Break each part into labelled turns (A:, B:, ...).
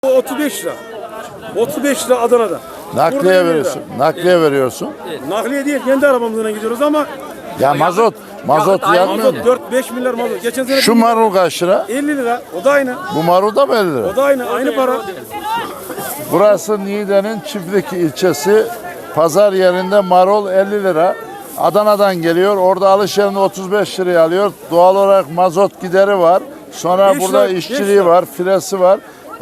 A: 35 lira. 35 lira Adana'da.
B: Nakliye veriyorsun. Nakliye veriyorsun.
A: Nakliye değil, kendi arabamızla gidiyoruz ama
B: Ya mazot yakmıyor mu?
A: 4-5 milyar mazot. Geçen sene
B: Şu marul kaç lira?
A: 50 lira. O da aynı.
B: Bu marul da mı 50 lira?
A: O da aynı para.
B: Burası Niğde'nin Çiftlik ilçesi. Pazar yerinde marul 50 lira. Adana'dan geliyor. Orada alış yerinde 35 liraya alıyor. Doğal olarak mazot gideri var. Sonra
A: Beş
B: burada
A: lira,
B: işçiliği
A: 5 lira.
B: var, filesi var.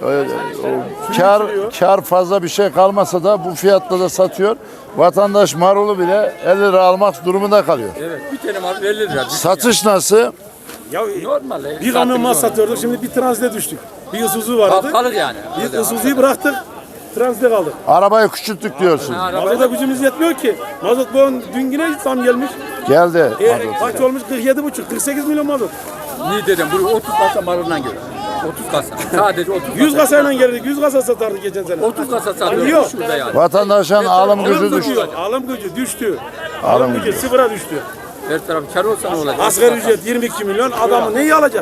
B: Kar fazla bir şey kalmasa da bu fiyatla da satıyor. Vatandaş marulu bile 50 lira almak durumunda kalıyor.
C: Evet, bir tane marul 50 lira.
B: Satış nasıl?
A: Ya
C: Normal.
A: bir kamyon mal satıyorduk, şimdi bir transite düştük. Bir Isuzu vardı.
C: Kalır yani.
A: Bir Isuzu'yu bıraktık, transite kaldık.
B: Arabayı küçülttük diyorsun.
A: Mazota gücümüz yetmiyor ki. Mazot dün yine zam gelmiş.
B: Geldi.
A: Kaç olmuş? 47,5, 48 milyon mazot.
C: Niye dedim? Bu 30 kasa maruldan geliyor. 30 kasa. Sadece 30 kasa.
A: 100 kasayla geldik, 100 kasa satardık geçen sene.
C: 30 kasa
A: Yok.
C: satıyor. Şurada yani.
B: Vatandaşın alım gücü düştü.
A: Alım gücü düştü.
B: Alım
A: Alım gücü sıfıra düştü.
C: Her taraf kar olsa ne olacak?
A: Asgari ücret 22 milyon, adamı neyi alacak?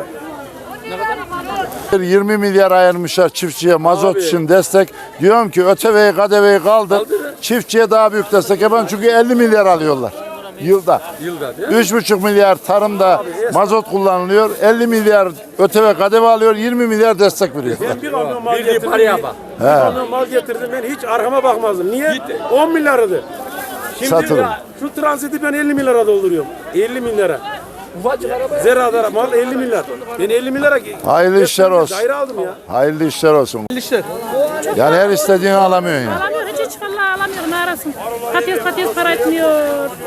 B: 20 milyar ayırmışlar çiftçiye mazot
A: Abi.
B: için destek. Diyorum ki ÖTV'yi KDV'yi kaldır. Çiftçiye daha büyük destek yapın çünkü 50 milyar alıyorlar yılda.
C: Yılda değil mi?
B: 3,5 milyar tarımda mazot kullanılıyor. 50 milyar ÖTV KDV alıyor. 20 milyar destek veriyor.
A: Ben bir kamyon mal
C: Bildiği
A: getirdim.
C: paraya bak.
A: Bir kamyon mal getirdim, ben hiç arkama bakmazdım. Niye? 10 milyardı. Şimdi
B: Satılır.
A: ya, şu transiti ben 50 milyara dolduruyorum. 50 milyara.
C: Ufacık araba.
A: Zerada mal 50 milyar. Ben 50 milyara
B: Hayırlı işler olsun.
A: daire aldım ya.
B: Hayırlı işler olsun. Yani her istediğini alamıyorsun yani.
D: Alamıyor, hiç vallahi alamıyor, ne arasın. Patates para etmiyor.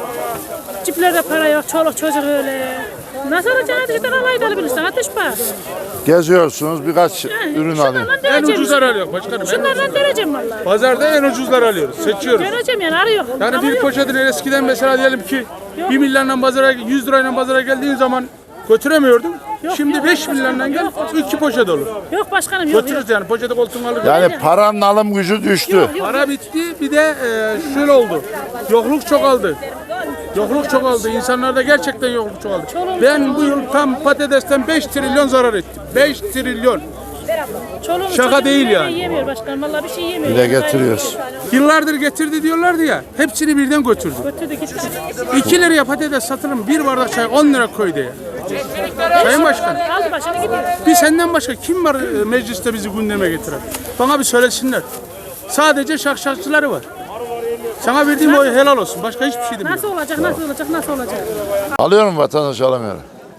D: Ciplerde para yok, çoluk çocuk öyle. Nasıl alacaksın? Ateşten alayı da alabilirsin, ateş var.
B: Geziyorsunuz birkaç ürün alayım.
E: En ucuzları alıyor başkanım.
D: Şunlardan vereceğim vallahi.
E: Pazarda en ucuzları alıyoruz. Seçiyoruz.
D: Vereceğim yani, arıyor.
E: Yani
D: Ama
E: bir
D: yok.
E: poşetin eskiden mesela diyelim ki 1 milyonla pazara 100 lirayla pazara geldiğin zaman götüremiyordun. Şimdi 5 milyonla gel 2 poşet olur.
D: Yok başkanım, yok.
E: Götürürüz yani poşeti koltuğuna alır.
B: Yani paranın alım gücü düştü.
E: Para bitti bir de şöyle oldu. Yokluk çoğaldı. Yokluk çoğaldı. İnsanlarda gerçekten yokluk çoğaldı. Ben bu yıl tam patatesten 5 trilyon zarar ettim. 5 trilyon.
D: Çoluğun
E: Şaka
D: çocuğun
E: değil
D: yemeği
E: yani.
D: Yemiyor başkanım, vallahi bir şey yemiyor.
B: Bile getiriyoruz.
E: Yıllardır getirdi diyorlardı ya. Hepsini birden götürdü.
D: Götürdük hiç.
E: 2 liraya patates satılır mı? Bir bardak çay 10 lira koydu ya. Sayın Başkan.
D: Aldı başını gidiyor.
E: Bir senden başka kim var mecliste bizi gündeme getiren? Bana bir söylesinler. Sadece şakşakçıları var. Sana verdiğim oy helal olsun. Başka hiçbir şey demiyorum.
D: Nasıl olacak, nasıl olacak, nasıl olacak?
B: Alıyor mu vatandaş alamıyor?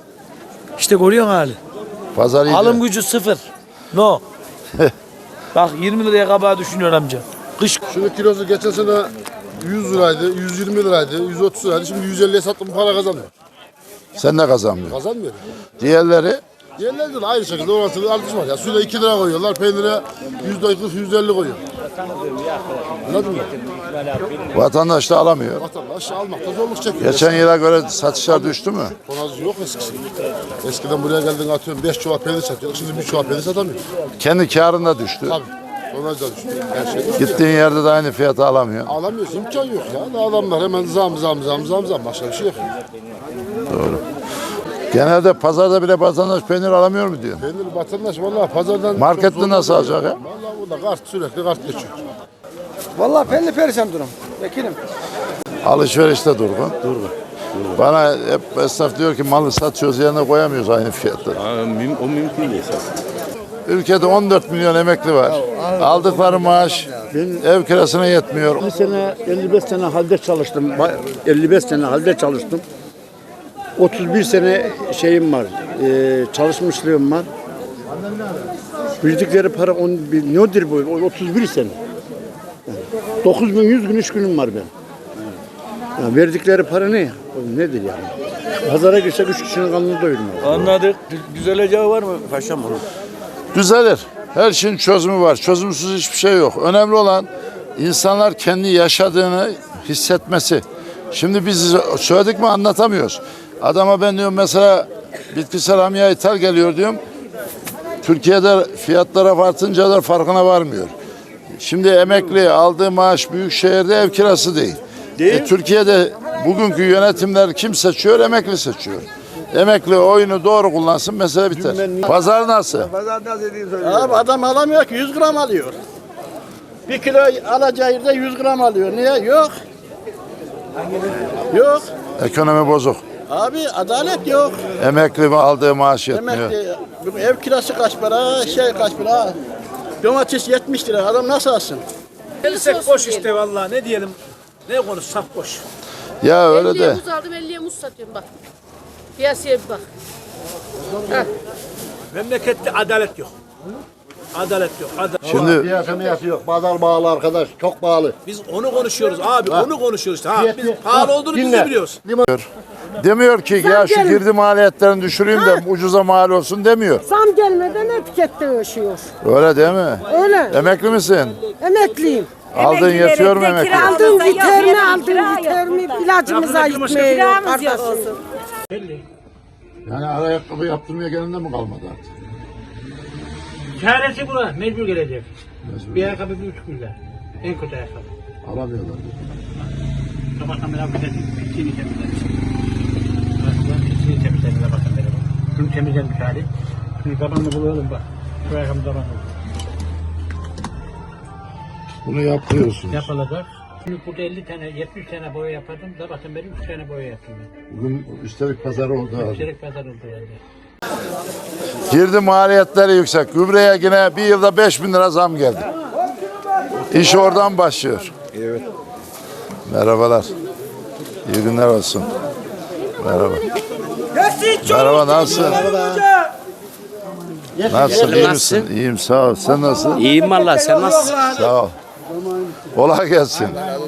F: İşte görüyorsun hali.
B: Pazar iyi.
F: Alım gücü sıfır. No. Bak 20 liraya kabağı düşünüyor amca. Kış
G: Şunun kilosu geçen sene 100 liraydı, 120 liraydı, 130 liraydı. Şimdi 150'ye sattım para kazanmıyor.
B: Sen de kazanmıyorsun.
G: Kazanmıyor.
B: Diğerleri
G: Diğerleri de aynı şekilde orantılı artış var. Ya suda 2 lira koyuyorlar, peynire %40, %50 koyuyor. Anladın mı?
B: vatandaş da alamıyor.
G: Vatandaş almakta zorluk çekiyor.
B: Geçen yıla göre satışlar düştü mü?
G: Tonaj yok eskisi. Eskiden buraya geldin atıyorum 5 çuval peynir satıyor. Şimdi 1 çuval peynir satamıyor.
B: Kendi karında düştü.
G: Tabii. Tonaj da düştü. Her şey.
B: Gittiğin yerde de aynı fiyata alamıyor.
G: Alamıyorsun, imkan yok ya. Adamlar hemen zam. Başka bir şey yok.
B: Genelde pazarda bile vatandaş peynir alamıyor mu diyor.
G: Peynir vatandaş vallahi pazardan...
B: Markette
G: çok zor
B: nasıl
G: alıyor.
B: alacak ya?
G: Vallahi burada kart sürekli kart geçiyor.
H: Vallahi belli perişan durum. Vekilim.
B: Alışverişte durgun. Bana hep esnaf diyor ki malı satıyoruz yerine koyamıyoruz aynı fiyatları.
I: O mümkün değil esas.
B: Ülkede 14 milyon emekli var. Aldıkları maaş ev kirasına yetmiyor.
H: 50 sene, 55 sene halde çalıştım. 55 sene halde çalıştım. 31 sene şeyim var, çalışmışlığım var. Verdikleri para nedir bu? 31 sene. 9100 gün iş günüm var ben. Yani verdikleri para ne? Nedir yani? Pazara girsek 3 kişinin karnını doyurmuyor.
F: anladık. Düzeleceği var mı paşam?
B: Düzelir. Her şeyin çözümü var. Çözümsüz hiçbir şey yok. Önemli olan insanlar kendi yaşadığını hissetmesi. Şimdi biz söyledik mi anlatamıyoruz. Adama ben diyorum mesela bitkisel amya ithal geliyor diyorum. Türkiye'de fiyatlara artınca da farkına varmıyor. Şimdi emekli aldığı maaş büyük şehirde ev kirası değil. Türkiye'de bugünkü yönetimler kim seçiyor? Emekli seçiyor. Emekli oyunu doğru kullansın, mesele biter. Pazar nasıl?
H: Abi adam alamıyor ki 100 gram alıyor. 1 kilo alacağı yerde 100 gram alıyor. Niye? Yok. Yok.
B: Ekonomi bozuk.
H: Abi adalet yok.
B: Emekli mi aldığı maaş yetmiyor.
H: Emekli, ev kirası kaç para, kaç para. Domates 70 lira. Adam nasıl alsın?
F: Gelirsek boş işte vallahi ne diyelim. Ne konuşsak boş.
B: Ya öyle de.
D: 50'ye muz aldım 50'ye muz satıyorum bak. Piyasaya bir bak.
F: Memlekette adalet yok. Adalet yok.
B: Şimdi
H: Fiyatı yok. Pazar bağlı arkadaş. Çok pahalı.
F: Biz onu konuşuyoruz abi. Onu konuşuyoruz işte. Ha, biz pahalı olduğunu biz de biliyoruz.
B: demiyor ki ya şu girdi maliyetlerini düşüreyim de ucuza mal olsun demiyor.
J: Zam gelmeden etikette yaşıyor.
B: Öyle değil mi?
J: Öyle.
B: Emekli misin?
J: Emekliyim.
B: Aldığın yetiyor mu emekli?
J: Aldığım yeter mi ilacımıza gitmiyor kardeşim.
B: Yani ayakkabı yaptırmaya gelende mi kalmadı artık?
K: Çaresi buna. Mecbur gelecek. Bir ayakkabı 1,5 lira. En kötü ayakkabı.
B: Alamıyorlar.
K: Sabahtan beri pisliğini temizledim. Pisliğini temizledim. Bakın beri bak. Şunu temizlemiş hali. Şimdi tabanını bulalım bak. Şu ayakkabı tabanını.
B: Bunu yapıyorsunuz.
K: Yapılacak. Şimdi burada 50 tane, 70 tane boya yapardım. Sabahtan beri 3 tane boya yaptım.
B: Bugün üstelik pazar oldu abi.
K: Üstelik pazar oldu yani.
B: Girdi maliyetleri yüksek. Gübreye yine bir yılda 5.000 lira zam geldi. İş oradan başlıyor.
I: Evet.
B: Merhabalar. İyi günler olsun. Merhaba. Merhaba, nasılsın? Nasılsın? İyi misin? İyiyim, sağ ol. Sen nasılsın?
L: İyiyim valla, sen nasılsın?
B: Sağ ol. Kolay gelsin.